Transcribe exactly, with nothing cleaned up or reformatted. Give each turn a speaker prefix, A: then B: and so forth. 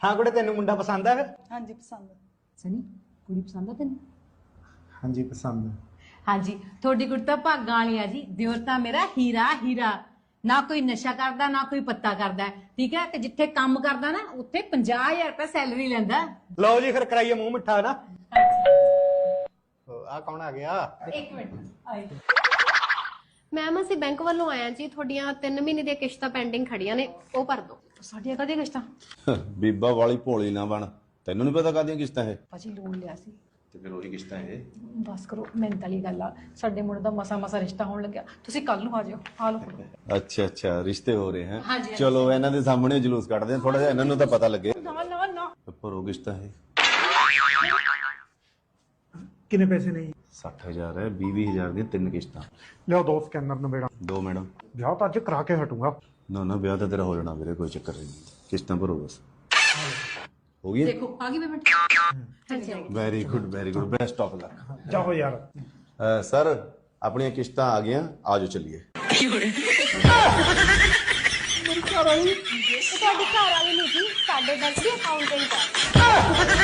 A: हाँ कुड़े तेन मुंडा पसंद है?
B: हाँ जी पसंद।
C: सनी कुड़ी पसंद है तेन?
A: हाँ जी पसंद।
C: हाँ जी थोड़ी कुड़ी तो भागां वाली आ जी। दियोर तां मेरा हीरा हीरा, ना कोई नशा करदा ना कोई पत्ता करदा, ठीक है। ते जिथे काम करदा ना उत्थे पचास हजार रुपया सैलरी लैंदा।
A: लो जी फिर कराइए मुंह मिठा ना। आ कौन आ गया?
C: एक मिनट आए।
D: मैम ਅਸੀਂ ਬੈਂਕ ਵੱਲੋਂ ਆਇਆ ਜੀ, ਤੁਹਾਡੀਆਂ ਤਿੰਨ ਮਹੀਨੇ ਦੀਆਂ ਕਿਸ਼ਤਾਂ ਪੈਂਡਿੰਗ ਖੜੀਆਂ ਨੇ, ਉਹ ਭਰ ਦਿਓ।
C: ਸਾਡੀਆਂ ਕਦੇ ਕਿਸ਼ਤਾਂ?
E: ਬੀਬਾ ਵਾਲੀ ਭੋਲੀ ਨਾ ਬਣ, ਤੈਨੂੰ ਨਹੀਂ ਪਤਾ ਕਾਹਦੀਆਂ ਕਿਸ਼ਤਾਂ ਇਹ?
C: ਭਾਜੀ ਲੋਨ ਲਿਆ ਸੀ
E: ਤੇ ਫਿਰ ਉਹੀ ਕਿਸ਼ਤਾਂ ਇਹ।
C: ਬਸ ਕਰੋ, ਮਿਹਨਤ ਵਾਲੀ ਗੱਲ ਆ। ਸਾਡੇ ਮੁੰਡੇ ਦਾ ਮਸਾ ਮਸਾ ਰਿਸ਼ਤਾ ਹੋਣ ਲੱਗਿਆ, ਤੁਸੀਂ ਕੱਲ ਨੂੰ ਆ ਜਾਓ। ਆ ਲਓ ਫੜੋ।
E: ਅੱਛਾ ਅੱਛਾ ਰਿਸ਼ਤੇ ਹੋ ਰਹੇ
C: ਹਾਂਜੀ,
E: ਹੈ।
C: ਹਾਂਜੀ।
E: ਚਲੋ ਇਹਨਾਂ ਦੇ ਸਾਹਮਣੇ ਜਲੂਸ ਕੱਢਦੇ ਆ ਥੋੜਾ ਜਿਹਾ, ਇਹਨਾਂ ਨੂੰ ਤਾਂ ਪਤਾ ਲੱਗੇ।
C: ਨਾ ਨਾ ਨਾ
E: ਭਰੋ ਕਿਸ਼ਤਾਂ ਇਹ।
A: कितने पैसे नहीं?
E: ਸੱਠ ਹਜ਼ਾਰ ਹੈ, ਵੀਹ ਵੀਹ ਹਜ਼ਾਰ ਦੀਆਂ ਤਿੰਨ ਕਿਸ਼ਤਾਂ।
A: लिया दो स्कैनर नवेड़ा।
E: ਦੋ ਮੈਡਮ।
A: ब्याह तो अज करा के हटूंगा।
E: ਨਾ ਨਾ ਵਿਆਹ ਤਾਂ ਤੇਰਾ ਹੋ ਜਾਣਾ ਵੀਰੇ, ਕੋਈ ਚੱਕਰ ਨਹੀਂ। ਕਿਸ਼ਤਾਂ ਭਰੋ ਬਸ। ਹੋ ਗਈ?
C: ਦੇਖੋ ਆ ਗਈ payment.
E: Very good very good, best of luck.
A: जाओ यार।
E: ਸਰ ਆਪਣੀਆਂ ਕਿਸ਼ਤਾਂ ਆ ਗਈਆਂ, ਆਜੋ ਚੱਲੀਏ।
D: ਤੁਹਾਡੀ ਘਰ ਵਾਲੀ ਨਹੀਂ ਸੀ, ਸਾਡੇ ਬੈਂਕ ਦੀ ਅਕਾਊਂਟੈਂਟ ਆ।